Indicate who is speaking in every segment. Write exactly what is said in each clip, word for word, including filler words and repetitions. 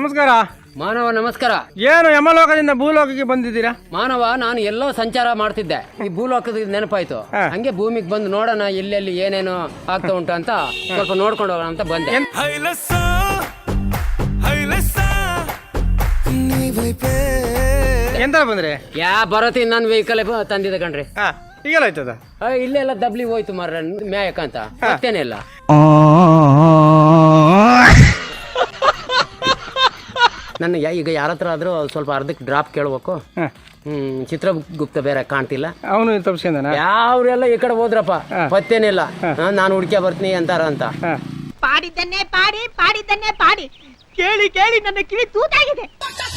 Speaker 1: ನಮಸ್ಕಾರ
Speaker 2: ಮಾನವ ನಮಸ್ಕಾರ.
Speaker 1: ಏನು ಯಮಲೋಕದಿಂದ ಭೂಲೋಕಕ್ಕೆ ಬಂದಿದ್ದೀರಾ?
Speaker 2: ಮಾನವ ನಾನು ಎಲ್ಲೋ ಸಂಚಾರ ಮಾಡ್ತಿದ್ದೆ, ಈ ಭೂಲೋಕದ ನೆನಪಾಯ್ತು. ಹಂಗೆ ಭೂಮಿಗೆ ಬಂದು ನೋಡೋಣ ಎಲ್ಲೆಲ್ಲಿ ಏನೇನು ಆಗ್ತಾ ಉಂಟು ಅಂತ ಸ್ವಲ್ಪ ನೋಡ್ಕೊಂಡು ಹೋಗೋಣ ಅಂತ ಬಂದೆ.
Speaker 1: ಎಂತ ಬಂದ್ರೆ?
Speaker 2: ಯಾ ಬರತಿ ನನ್ನ ವೆಹಿಕಲ್ ತಂದಿದೆ ಕಣ್ರಿ.
Speaker 1: ಈಗೆಲ್ಲ ಆಯ್ತದ?
Speaker 2: ಇಲ್ಲೆಲ್ಲ ದಬ್ಲಿ ಹೋಯ್ತು ಮಾರ್ರೆ ಮ್ಯಾಯಕಂತ, ಮತ್ತೇನೆ ಇಲ್ಲ. ನನ್ನ ಈಗ ಯಾರ ಹತ್ರ ಆದ್ರೂ ಸ್ವಲ್ಪ ಅರ್ಧಕ್ಕೆ ಡ್ರಾಪ್ ಕೇಳ್ಬೇಕು. ಹ್ಮ್ ಚಿತ್ರಗುಪ್ತ ಬೇರೆ ಕಾಣ್ತಿಲ್ಲ,
Speaker 1: ಅವನು ತಪ್ಪಿಸ್ಕೊಂಡನ.
Speaker 2: ಯಾವ್ರೆಲ್ಲ ಈ ಕಡೆ ಹೋದ್ರಪ್ಪ, ಪತ್ತೇನಿಲ್ಲ. ನಾನು ಹುಡ್ಕ್ಯಾ ಬರ್ತೀನಿ ಅಂತಾರ ಅಂತ.
Speaker 3: ಪಾಡಿದ್ದನ್ನೇ ಪಾಡಿ ಪಾಡಿದ್ದನ್ನೇ ಪಾಡಿ ಕೇಳಿ ಕೇಳಿ ನನ್ನ ಕಿವಿ ತೂತಾಗಿದೆ.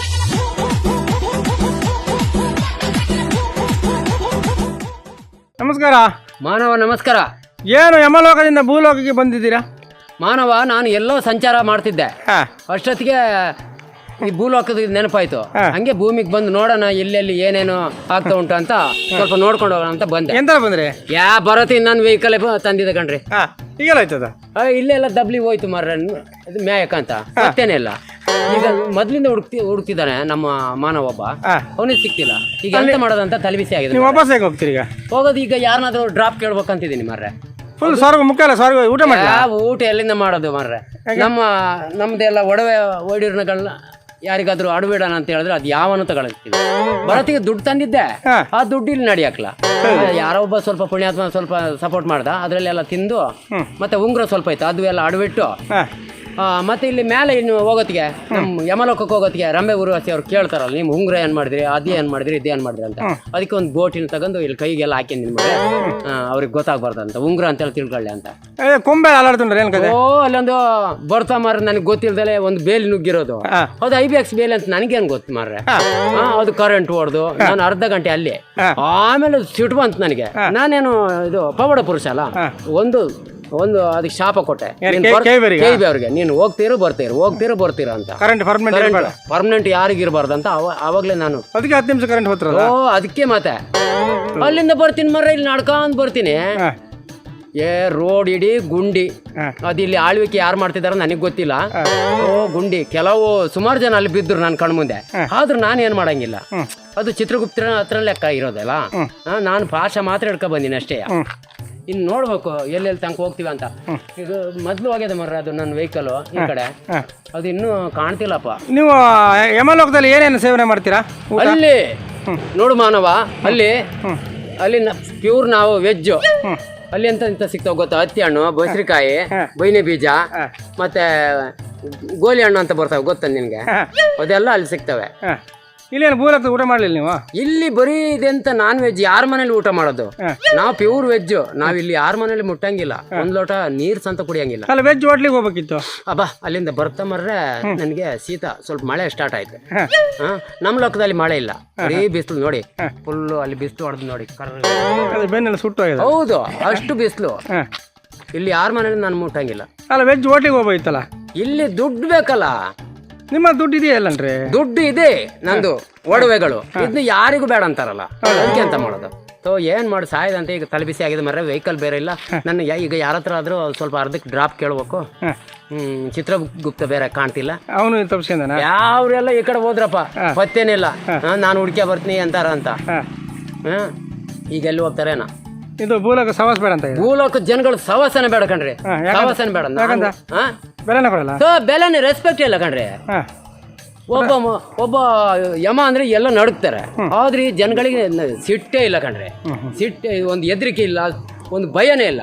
Speaker 1: ನಮಸ್ಕಾರ
Speaker 2: ಮಾನವ ನಮಸ್ಕಾರ.
Speaker 1: ಏನು ಯಮಲೋಕದಿಂದ ಭೂಲೋಕಕ್ಕೆ ಬಂದಿದ್ದೀರಾ?
Speaker 2: ಮಾನವ ನಾನು ಎಲ್ಲೋ ಸಂಚಾರ ಮಾಡ್ತಿದ್ದೆ, ಅಷ್ಟೊತ್ತಿಗೆ ಈ ಭೂಲೋಕದ ನೆನಪಾಯ್ತು. ಹಂಗೆ ಭೂಮಿಗೆ ಬಂದು ನೋಡೋಣ ಎಲ್ಲೆಲ್ಲಿ ಏನೇನು ಆಗ್ತಾ ಉಂಟು ಅಂತ ಸ್ವಲ್ಪ ನೋಡ್ಕೊಂಡು ಹೋಗೋಣ ಅಂತ ಬಂದೆ.
Speaker 1: ಎಂತ ಬಂದ್ರೆ?
Speaker 2: ಯಾ ಬರತಿ ನನ್ನ ವೆಹಿಕಲ್ ತಂದಿದೆ ಕಣ್ರಿ.
Speaker 1: ಈಗೆಲ್ಲ ಆಯ್ತದ?
Speaker 2: ಇಲ್ಲೆಲ್ಲ ದಬ್ಲಿ ಹೋಯ್ತು ಮಾರ್ರೆ ಮ್ಯಾಯಕಂತ, ಮತ್ತೇನೆ ಇಲ್ಲ. ಈಗ ಮೊದ್ಲಿಂದ ಹುಡುಕ್ತಿ ಹುಡುಕ್ತಿದ್ದಾನೆ ನಮ್ಮ ಮಾನವ ಒಬ್ಬ, ಅವನಿಗೆ ಸಿಕ್ತಿಲ್ಲ. ಈಗ ಎಂತ ಮಾಡೋದಂತ ತಲೆಬಿಸಿ ಆಗಿದೆ.
Speaker 1: ನೀವು ವಾಪಸ್ ಹೇಗೆ ಹೋಗ್ತೀರಿ ಈಗ?
Speaker 2: ಹೋಗೋದು ಈಗ ಯಾರನ್ನಾದ್ರೂ ಡ್ರಾಪ್ ಕೇಳ್ಬೇಕಂತಿದ್ದೀನಿ ಮಾರ್ರೆ.
Speaker 1: ಫುಲ್ ಸ್ವರ್ಗ ಮುಖ್ಯ ಅಲ್ಲ, ಸ್ವರ್ಗ ಊಟ ಮಾಡಿ.
Speaker 2: ಯಾವ ಊಟ ಎಲ್ಲಿಂದ ಮಾಡೋದು ಮಾರ್ರೆ? ನಮ್ಮ ನಮ್ದೆಲ್ಲ ಒಡವೆ ಒಡಿರ್ನಗಳನ್ನ ಯಾರಿಗಾದ್ರೂ ಅಡಬೇಡಣ ಅಂತ ಹೇಳಿದ್ರೆ ಅದು ಯಾವನು ತಗೊಳ್ತೀವಿ. ಬರತ್ತಿಗೆ ದುಡ್ಡು ತಂದಿದ್ದೆ, ಆ ದುಡ್ಡು ಇಲ್ಲಿ ನಡಿಯಾಕ್ಲ. ಯಾರೋ ಒಬ್ಬ ಸ್ವಲ್ಪ ಪುಣ್ಯಾತ್ಮ ಸ್ವಲ್ಪ ಸಪೋರ್ಟ್ ಮಾಡ್ದ, ಅದ್ರಲ್ಲೆಲ್ಲ ತಿಂದು ಮತ್ತೆ ಉಂಗುರ ಸ್ವಲ್ಪ ಇತ್ತು, ಅದು ಎಲ್ಲ ಅಡಬಿಟ್ಟು ಮತ್ತೆ ಇಲ್ಲಿ ಮೇಲೆ ಇನ್ನು ಹೋಗೋತ್ತಿಗೆ ನಮ್ಮ ಯಮಲೋಕಕ್ಕೆ ಹೋಗೋತ್ತಿಗೆ ರಂಬೆ ಉರ್ವಶಿ ಅವ್ರು ಕೇಳ್ತಾರಲ್ಲ, ನೀವು ಉಂಗುರ ಏನ್ ಮಾಡಿದ್ರಿ, ಅದೇ ಏನ್ ಮಾಡಿದ್ರಿ, ಇದೇ ಏನ್ ಮಾಡಿದ್ರಿ ಅಂತ. ಅದಕ್ಕೆ ಒಂದು ಬೋಟಿನ ತಗೊಂಡು ಇಲ್ಲಿ ಕೈಗೆಲ್ಲ ಹಾಕಿ ನಿಮ್ಗೆ ಅವ್ರಿಗೆ ಗೊತ್ತಾಗ್ಬಾರ್ದಂತ, ಉಂಗುರ ಅಂತೇಳಿ ತಿಳ್ಕೊಳ್ಳಿ ಅಂತ.
Speaker 1: ಕೊಂಬೆ ಅಲಾಡ್తుంಡ್ರೆ ಏನ್ ಕತೆ?
Speaker 2: ಓ ಅಲ್ಲೊಂದು ಬರ್ತಾ ಮಾರ್ರೆ, ನನಗೆ ಗೊತ್ತಿಲ್ದಲೆ ಒಂದು ಬೇಲಿ ನುಗ್ಗಿರೋದು. ಅದು ಐ ಬಿ ಎಕ್ಸ್ ಬೇಲಿ ಅಂತ ನನಗೇನು ಗೊತ್ತು ಮಾರ್ರೆ. ಅದು ಕರೆಂಟ್ ಹೊಡೆದು ನಾನು ಅರ್ಧ ಗಂಟೆ ಅಲ್ಲಿ, ಆಮೇಲೆ ಸಿಟ್ಟು ಬಂತು ನನಗೆ. ನಾನೇನು ಇದು ಪವಾಡ ಪುರುಷ ಅಲ್ಲ, ಒಂದು ಒಂದು ಅದಕ್ಕೆ ಶಾಪ ಕೊಟ್ಟೆ ಅವ್ರಿಗೆ, ನೀನು ಹೋಗ್ತೀರೋ ಬರ್ತೀರ ಹೋಗ್ತೀರೋ ಬರ್ತೀರ ಅಂತ.
Speaker 1: ಕರೆಂಟ್
Speaker 2: ಪರ್ಮನೆಂಟ್ ಯಾರಿಗಿರ್ಬಾರ್ದು ಅಂತ ಅವಾಗ್ಲೇ ನಾನು
Speaker 1: ಅದಕ್ಕೆ ಹತ್ತು ನಿಮಿಷ ಕರೆಂಟ್ ಹೋಗ್ತಾರ.
Speaker 2: ಓ ಅದಕ್ಕೆ ಮತ್ತೆ ಅಲ್ಲಿಂದ ಬರ್ತೀನಿ ಮರ್ರೆ, ಇಲ್ಲಿ ನಡ್ಕೊಂಡ್ ಬರ್ತೀನಿ. ಏ ರೋಡ್ ಇಡೀ ಗುಂಡಿ, ಅದು ಇಲ್ಲಿ ಆಳ್ವಿಕೆ ಯಾರು ಮಾಡ್ತಿದಾರ ನನಗೆ ಗೊತ್ತಿಲ್ಲ. ಓ ಗುಂಡಿ, ಕೆಲವು ಸುಮಾರು ಜನ ಅಲ್ಲಿ ಬಿದ್ರು ನನ್ನ ಕಣ್ಮುಂದೆ. ಆದ್ರೂ ನಾನು ಏನ್ ಮಾಡಂಗಿಲ್ಲ, ಅದು ಚಿತ್ರಗುಪ್ತರ ಹತ್ರ ಲೆಕ್ಕ ಇರೋದಲ್ಲ. ನಾನು ಭಾಷೆ ಮಾತ್ರ ಹಿಡ್ಕೊ ಬಂದಿನಿ ಅಷ್ಟೇ. ಇನ್ನು ನೋಡ್ಬೇಕು ಎಲ್ಲೆಲ್ಲಿ ತನಕ ಹೋಗ್ತೀವಿ ಅಂತ. ಈಗ ಮೊದ್ಲು ಹೋಗ್ಯದ ಮರ್ರ ಅದು ನನ್ನ ವೆಹಿಕಲ್ ಈ ಕಡೆ, ಅದು ಇನ್ನೂ ಕಾಣ್ತಿಲ್ಲಪ್ಪ.
Speaker 1: ನೀವು ಯಮಲೋಕದಲ್ಲಿ ಏನೇನು ಸೇವನೆ ಮಾಡ್ತೀರಾ?
Speaker 2: ಅಲ್ಲಿ ನೋಡು ಮಾನವ, ಅಲ್ಲಿ ಅಲ್ಲಿ ಪ್ಯೂರ್ ನಾವು ವೆಜ್. ಅಲ್ಲಿ ಎಂತ ಎಂತ ಸಿಗ್ತಾವ ಗೊತ್ತಾ? ಹತ್ತಿ ಹಣ್ಣು, ಬಸರಿಕಾಯಿ, ಬೈನೆ ಬೀಜ, ಮತ್ತೆ ಗೋಲಿ ಹಣ್ಣು ಅಂತ ಬರ್ತಾವೆ ಗೊತ್ತ ನಿನ್ಗೆ? ಅದೆಲ್ಲ ಅಲ್ಲಿ ಸಿಗ್ತವೆ.
Speaker 1: ಇಲ್ಲೇನು ಭೂಲೋಕದ ಊಟ ಮಾಡ್ಲಿಲ್ಲ ನೀವು?
Speaker 2: ಇಲ್ಲಿ ಬರೀ ಇದೆಂತ ನಾನ್ ವೆಜ್, ಯಾರ ಮನೇಲಿ ಊಟ ಮಾಡೋದು? ನಾವು ಪ್ಯೂರ್ ವೆಜ್. ನಾವ್ ಇಲ್ಲಿ ಯಾರ ಮನೇಲಿ ಮುಟ್ಟಂಗಿಲ್ಲ, ಒಂದ್ ಲೋಟ ನೀರ್ ಸಂತ ಕುಡಿಯಂಗಿಲ್ಲ.
Speaker 1: ಅಲ್ಲ ವೆಜ್ ಹೋಟ್ಲಿಗೆ ಹೋಗ್ಬೇಕಿತ್ತು.
Speaker 2: ಅಬ್ಬಾ ಅಲ್ಲಿಂದ ಬರ್ತಾ ಮರ್ರೆ ನನ್ಗೆ ಶೀತ, ಸ್ವಲ್ಪ ಮಳೆ ಸ್ಟಾರ್ಟ್ ಆಯ್ತು. ಹ ನಮ್ ಲೋಕದಲ್ಲಿ ಮಳೆ ಇಲ್ಲ, ಬರೀ ಬಿಸಿಲು ನೋಡಿ, ಫುಲ್ಲು ಅಲ್ಲಿ ಬಿಸಿಲು ಹೊಡೆದು ನೋಡಿ,
Speaker 1: ಬೆನ್ನೆಲ್ಲ ಸುಟ್ಟು.
Speaker 2: ಹೌದು, ಅಷ್ಟು ಬಿಸಿಲು. ಇಲ್ಲಿ ಯಾರ ಮನೇಲಿ ನಾನು ಮುಟ್ಟಂಗಿಲ್ಲ.
Speaker 1: ಅಲ್ಲ ವೆಜ್ ಹೋಟ್ಲಿಗೆ ಹೋಗ್ಬೇಕಿತ್ತಲ್ಲ?
Speaker 2: ಇಲ್ಲಿ ದುಡ್ಡು ಬೇಕಲ್ಲ.
Speaker 1: ನಿಮ್ಮ ದುಡ್ಡು ಇದೆಯಲ್ಲನ್ರಿ?
Speaker 2: ದುಡ್ಡು ಇದೆ ನಂದು, ಒಡವೆಗಳು. ಇದನ್ನ ಯಾರಿಗೂ ಬೇಡ ಅಂತಾರಲ್ಲ, ಅದಕ್ಕೆ ಅಂತ ಮಾಡೋದು. ಸೊ ಏನ್ ಮಾಡಿ ಸಾಯದಂತೆ ಈಗ ತಲೆಬಿಸಿ ಆಗಿದೆ ಮರ್ರೆ. ವೆಹಿಕಲ್ ಬೇರೆ ಇಲ್ಲ ನನ್ನ. ಈಗ ಯಾರ ಹತ್ರ ಆದ್ರೂ ಸ್ವಲ್ಪ ಅರ್ಧಕ್ಕೆ ಡ್ರಾಪ್ ಕೇಳ್ಬೇಕು. ಹ್ಮ್ ಚಿತ್ರಗುಪ್ತ ಬೇರೆ ಕಾಣ್ತಿಲ್ಲ, ಅವನು
Speaker 1: ತಪ್ಪಿಸ್ಕೊಂಡನ.
Speaker 2: ಯಾವ್ರೆಲ್ಲ ಈ ಕಡೆ ಹೋದ್ರಪ್ಪ, ಪತ್ತೇನಿಲ್ಲ. ನಾನು ಹುಡ್ಕ್ಯಾ ಬರ್ತೀನಿ ಅಂತಾರ ಅಂತ. ಹ್ಮ್ ಈಗ ಎಲ್ಲಿ ಹೋಗ್ತಾರೇನ?
Speaker 1: ಇದು ಭೂಲೋಕ ಸವಾಸ ಬೇಡ ಅಂತ.
Speaker 2: ಭೂಲೋಕ ಜನಗಳು ಸವಾಸನೆ ಬೇಡ ಕಣ್ರಿ, ಸವಾಸನೆ ಬೇಡ.
Speaker 1: ಬೆಲೆನೇ ಕೊಡಲ್ಲ,
Speaker 2: ಬೆಲೆನೇ ರೆಸ್ಪೆಕ್ಟ್ ಇಲ್ಲ ಕಣ್ರಿ. ಒಬ್ಬ ಒಬ್ಬ ಯಮ ಅಂದ್ರೆ ಎಲ್ಲ ನಡುಕ್ತಾರೆ, ಆದ್ರೆ ಈ ಜನಗಳಿಗೆ ಸಿಟ್ಟೇ ಇಲ್ಲ ಕಣ್ರಿ. ಸಿಟ್ಟೆ, ಒಂದು ಹೆದರಿಕೆ ಇಲ್ಲ, ಒಂದು ಭಯನೇ ಇಲ್ಲ.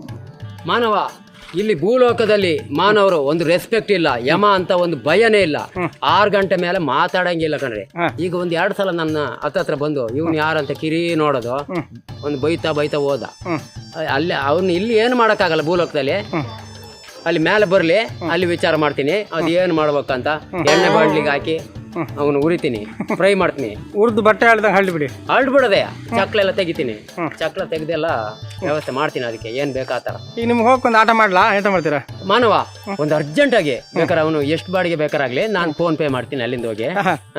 Speaker 2: ಮಾನವ ಇಲ್ಲಿ ಭೂಲೋಕದಲ್ಲಿ ಮಾನವರು ಒಂದು ರೆಸ್ಪೆಕ್ಟ್ ಇಲ್ಲ, ಯಮ ಅಂತ ಒಂದು ಭಯನೇ ಇಲ್ಲ. ಆರು ಗಂಟೆ ಮೇಲೆ ಮಾತಾಡಂಗಿಲ್ಲ ಕಣ್ರಿ. ಈಗ ಒಂದ್ ಎರಡ್ ಸಲ ನನ್ನ ಹತ್ತತ್ರ ಬಂದು ಇವ್ನು ಯಾರಂತ ಕಿರಿ ನೋಡೋದು, ಒಂದು ಬೈತಾ ಬೈತಾ ಹೋದ. ಅಲ್ಲಿ ಅವ್ನು ಇಲ್ಲಿ ಏನು ಮಾಡಕ್ಕಾಗಲ್ಲ ಭೂಲೋಕದಲ್ಲಿ. ಅಲ್ಲಿ ಮೇಲೆ ಬರ್ಲಿ, ಅಲ್ಲಿ ವಿಚಾರ ಮಾಡ್ತೀನಿ ಅದ್ ಏನ್ ಮಾಡ್ಬೇಕಂತ. ಎಣ್ಣೆ ಬಾಂಡ್ಲಿಗೆ ಹಾಕಿ ಅವನು ಉರಿತೀನಿ, ಫ್ರೈ ಮಾಡ್ತೀನಿ.
Speaker 1: ಉರ್ದು ಬಟ್ಟೆ ಹಳ್ದಂಗೆ ಹಳ್ಳಿ ಬಿಡಿ,
Speaker 2: ಹಳ್ಳಿ ಬಿಡೋದೆ. ಚಕ್ಲೆಲ್ಲ ತೆಗಿತೀನಿ, ಚಕ್ಲ ತೆಗ್ದೆಲ್ಲ ವ್ಯವಸ್ಥೆ ಮಾಡ್ತೀನಿ. ಅದಕ್ಕೆ ಏನ್ ಬೇಕಾತರ.
Speaker 1: ಈಗ ನಿಮ್ಗೆ ಹೋಗ್ಕೊಂಡ್ ಆಟ ಮಾಡ್ಲಾ? ಎಂತ ಮಾಡ್ತೀರಾ?
Speaker 2: ಮಾನವ ಒಂದು ಅರ್ಜೆಂಟ್ ಆಗಿ ಬೇಕಾರೆ ಅವನು ಎಷ್ಟು ಬಾಡಿಗೆ ಬೇಕಾರಾಗ್ಲಿ ನಾನು ಫೋನ್ ಪೇ ಮಾಡ್ತೀನಿ. ಅಲ್ಲಿಂದ ಹೋಗಿ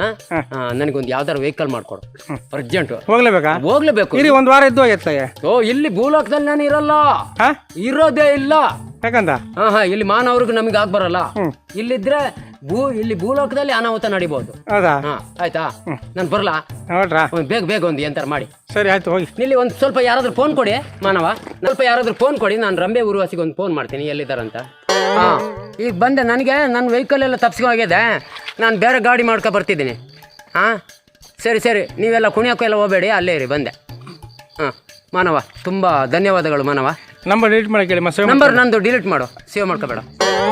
Speaker 2: ನನಗೊಂದು ಯಾವ್ದಾರು ವೆಹಿಕಲ್ ಮಾಡ್ಕೊಡು, ಅರ್ಜೆಂಟ್.
Speaker 1: ಹೋಗ್ಲೇಬೇಕಾ?
Speaker 2: ಹೋಗ್ಲೇಬೇಕು.
Speaker 1: ಒಂದ್ ವಾರ ಇದ್ದು ಹೋಗುತ್ತೆ.
Speaker 2: ಓ ಇಲ್ಲಿ ಭೂಲೋಕದಲ್ಲಿ ನಾನು ಇರಲ್ಲ, ಇರೋದೇ ಇಲ್ಲ.
Speaker 1: ಯಾಕಂತ
Speaker 2: ಹಾ ಹಾ ಇಲ್ಲಿ ಮಾನವ್ರಿಗೆ ನಮಗೆ ಆಗ್ ಬರಲ್ಲ. ಇಲ್ಲಿದ್ರೆ ಭೂ ಇಲ್ಲಿ ಭೂಲೋಕದಲ್ಲಿ ಅನಾಹುತ ನಡಿಬಹುದು.
Speaker 1: ಹೌದಾ?
Speaker 2: ಹಾ ಆಯ್ತಾ, ನಾನು ಬರ್ಲಾ?
Speaker 1: ನೋಡ್ರಾ?
Speaker 2: ಒಂದ್ ಬೇಗ ಬೇಗ ಒಂದು ಎಂತಾರ ಮಾಡಿ.
Speaker 1: ಸರಿ ಆಯ್ತು ಹೋಗಿ.
Speaker 2: ಇಲ್ಲಿ ಒಂದು ಸ್ವಲ್ಪ ಯಾರಾದ್ರೂ ಫೋನ್ ಕೊಡಿ ಮಾನವ, ಸ್ವಲ್ಪ ಯಾರಾದ್ರೂ ಫೋನ್ ಕೊಡಿ, ನಾನು ರಂಬೆ ಊರ್ವಾಸಿಗೆ ಒಂದು ಫೋನ್ ಮಾಡ್ತೀನಿ ಎಲ್ಲಿದ್ದಾರಂತ. ಹಾ ಈಗ ಬಂದೆ, ನನಗೆ ನನ್ನ ವೆಹಿಕಲ್ ಎಲ್ಲ ತಪ್ಸ್ಕೊಂಡೋಗಿದೆ, ನಾನು ಬೇರೆ ಗಾಡಿ ಮಾಡ್ಕೊ ಬರ್ತಿದ್ದೀನಿ. ಹಾ ಸರಿ ಸರಿ, ನೀವೆಲ್ಲ ಕುಣಿಯೋಕ್ಕೂ ಎಲ್ಲ ಹೋಗಬೇಡಿ, ಅಲ್ಲೇ ಇರಿ, ಬಂದೆ. ಹಾಂ ಮಾನವ, ತುಂಬ ಧನ್ಯವಾದಗಳು ಮಾನವ.
Speaker 1: ನಂಬರ್ ಡಿಲೀಟ್ ಮಾಡಕ್ಕೆ ಹೇಳಿ ಮತ್ತೆ.
Speaker 2: ನಂಬರ್ ನಂದು ಡಿಲೀಟ್ ಮಾಡು, ಸೇವ್ ಮಾಡ್ಕೋಬೇಡ.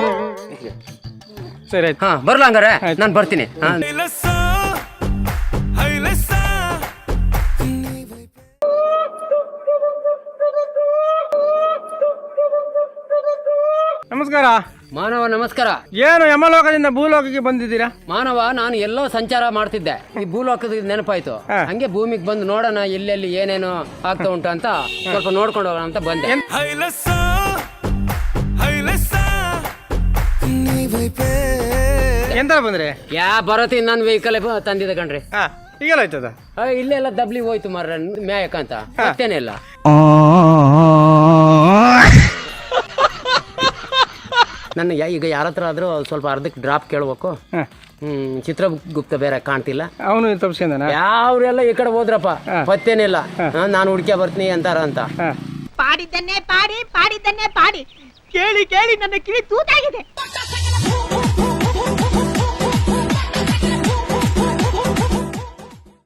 Speaker 1: ಸರಿ ಆಯ್ತು.
Speaker 2: ಹಾಂ ಬರಲ್ಲ ಹಂಗಾರೆ, ನಾನು ಬರ್ತೀನಿ. ಹಾಂ
Speaker 1: ನಮಸ್ಕಾರ
Speaker 2: ಮಾನವ. ನಮಸ್ಕಾರ.
Speaker 1: ಏನು ಯಮಲೋಕದಿಂದ ಭೂಲೋಕಕ್ಕೆ ಬಂದಿದ್ದೀರಾ?
Speaker 2: ಮಾನವ, ನಾನು ಎಲ್ಲೋ ಸಂಚಾರ ಮಾಡ್ತಿದ್ದೆ, ಈ ಭೂಲೋಕದ ನೆನಪಾಯ್ತು.
Speaker 1: ಹಾ.
Speaker 2: ಹಂಗೆ ಭೂಮಿಗೆ ಬಂದು ನೋಡೋಣ ಎಲ್ಲೆಲ್ಲಿ ಏನೇನು ಆಗ್ತಾ ಉಂಟು ಅಂತ ಸ್ವಲ್ಪ ನೋಡ್ಕೊಂಡು ಹೋಗೋಣ ಅಂತ ಬಂದೆ.
Speaker 1: ಎಂತ ಬಂದ್ರಿ?
Speaker 2: ಯಾ ಬರತಿ ನನ್ನ ವೆಹಿಕಲ್ ತಂದಿದೆ ಕಣ್ರಿ.
Speaker 1: ಹಾ ಈಗೆಲ್ಲ ಆಯ್ತದ?
Speaker 2: ಆ, ಇಲ್ಲೆಲ್ಲ ದಬ್ಲಿ ಹೋಯ್ತು ಮಾರ್ರೆ ಮ್ಯಾಯಕ್ಕಂತ, ಮತ್ತೇನಿಲ್ಲ. ನನ್ನ ಯಾ- ಈಗ ಯಾರ ಹತ್ರ ಆದ್ರೂ ಸ್ವಲ್ಪ ಅರ್ಧಕ್ಕೆ ಡ್ರಾಪ್ ಕೇಳ್ಬೇಕು. ಹ್ಮ್ ಚಿತ್ರಗುಪ್ತ ಬೇರೆ ಕಾಣ್ತಿಲ್ಲ,
Speaker 1: ಅವನು ತಪ್ಸ್ಕೊಂಡನ?
Speaker 2: ಯಾವ್ರೆಲ್ಲ ಈ ಕಡೆ ಹೋದ್ರಪ್ಪ, ಮತ್ತೇನಿಲ್ಲ. ನಾನು ಹುಡ್ಕ್ಯಾ ಬರ್ತೀನಿ ಅಂತಾರ ಅಂತ.
Speaker 3: ಪಾಡಿದ್ದನ್ನೇ ಪಾಡಿ ಪಾಡಿದ್ದನ್ನೇ ಪಾಡಿ ಕೇಳಿ ಕೇಳಿ ನನ್ನ ಕಿವಿ ತೂತಾಗಿದೆ.